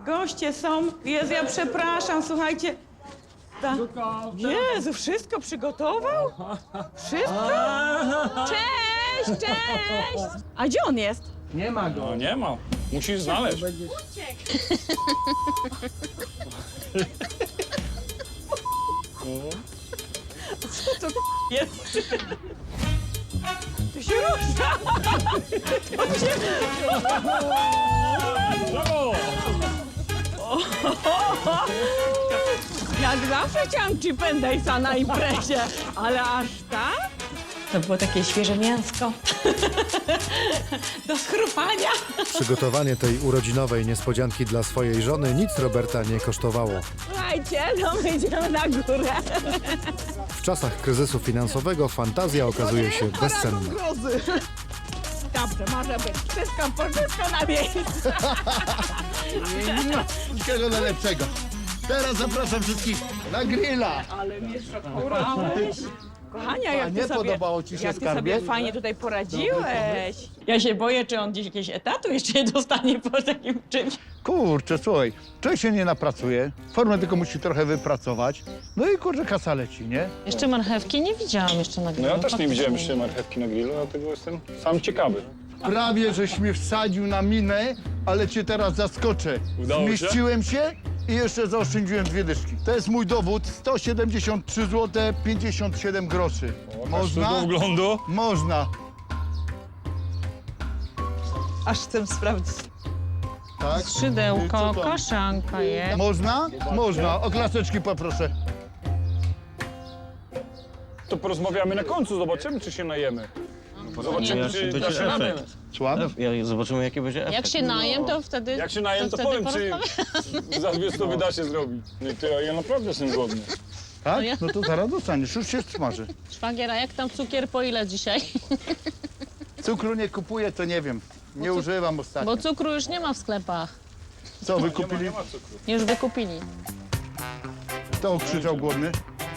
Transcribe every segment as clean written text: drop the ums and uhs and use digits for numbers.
Goście są. Jezu, ja przepraszam, słuchajcie. Jezu, wszystko przygotował? Wszystko? Cześć, cześć! A gdzie on jest? Nie ma go. No nie ma. Musisz znaleźć. Co to jest? To się rusza! To się... Brawo! Jak zawsze chciałam chip and daysa na imprezie, ale aż tak? To było takie świeże mięsko. Do schrupania. Przygotowanie tej urodzinowej niespodzianki dla swojej żony nic Roberta nie kosztowało. Słuchajcie, no my idziemy na górę. W czasach kryzysu finansowego fantazja okazuje się bezcenna. Dobrze, może być. Wszystko na miejscu. Wszystkiego najlepszego. Teraz zapraszam wszystkich na grilla. Ale mnie szokowałeś. Kochania, jak nie ty sobie, podobało ci się, jak ty skarbie? sobie fajnie tutaj poradziłeś. Ja się boję, czy on gdzieś jakiegoś etatu jeszcze nie dostanie po takim czymś. Kurczę, słuchaj, człowiek się nie napracuje, formę tylko musi trochę wypracować. No i kurczę, kasa leci, nie? Jeszcze marchewki nie widziałam jeszcze na No grillu. ja też nie widziałem jeszcze marchewki na grillu, dlatego jestem sam ciekawy. Prawie żeś mnie wsadził na minę, ale cię teraz zaskoczę. Udało się? Zmieściłem się i jeszcze zaoszczędziłem 2 dyszki. To jest mój dowód, 173 zł 57 groszy. Można? Do wglądu. Można. Aż chcę sprawdzić. Tak? Skrzydełko, Co to? kaszanka jest. Można? Można. O klaseczki poproszę. To porozmawiamy na końcu, zobaczymy, czy się najemy. Zobaczymy, czy da się radę. Słucham? Zobaczymy, jaki będzie efekt. Jak się najem, to wtedy. Jak się najem, to wtedy powiem, czy za 2 stówy da się zrobić. No to ja naprawdę jestem głodny. Tak? No to zaraz dostaniesz, już się smaży. Szwagier, a jak tam cukier, po ile dzisiaj? Cukru nie kupuję, to nie wiem. Nie używam ostatnio. Bo cukru już nie ma w sklepach. Co, wy kupili? Nie ma cukru. Już wykupili. Kto krzyczał głodny?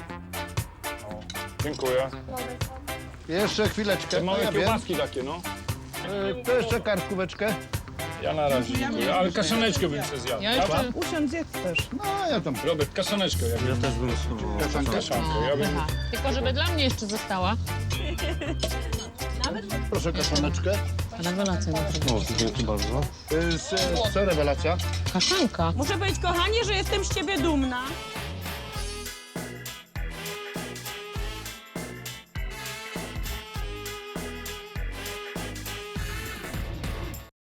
Dziękuję. Jeszcze chwileczkę. Te małe ja wiem. kiełbaski takie, no. To jeszcze kartkóweczkę. Ja na razie dziękuję, ale kaszaneczkę bym się zjadł. Ja jeszcze... Usiądź, zjedz też. No, ja tam. Robert, kaszaneczkę ja bym. też bym spróbował. Kaszankę, ja bym. Tylko żeby dla mnie jeszcze została. Proszę kaszaneczkę. Rewelacja naprawdę. Dzięki bardzo. Co rewelacja? Kaszanka. Muszę powiedzieć, kochanie, że jestem z ciebie dumna.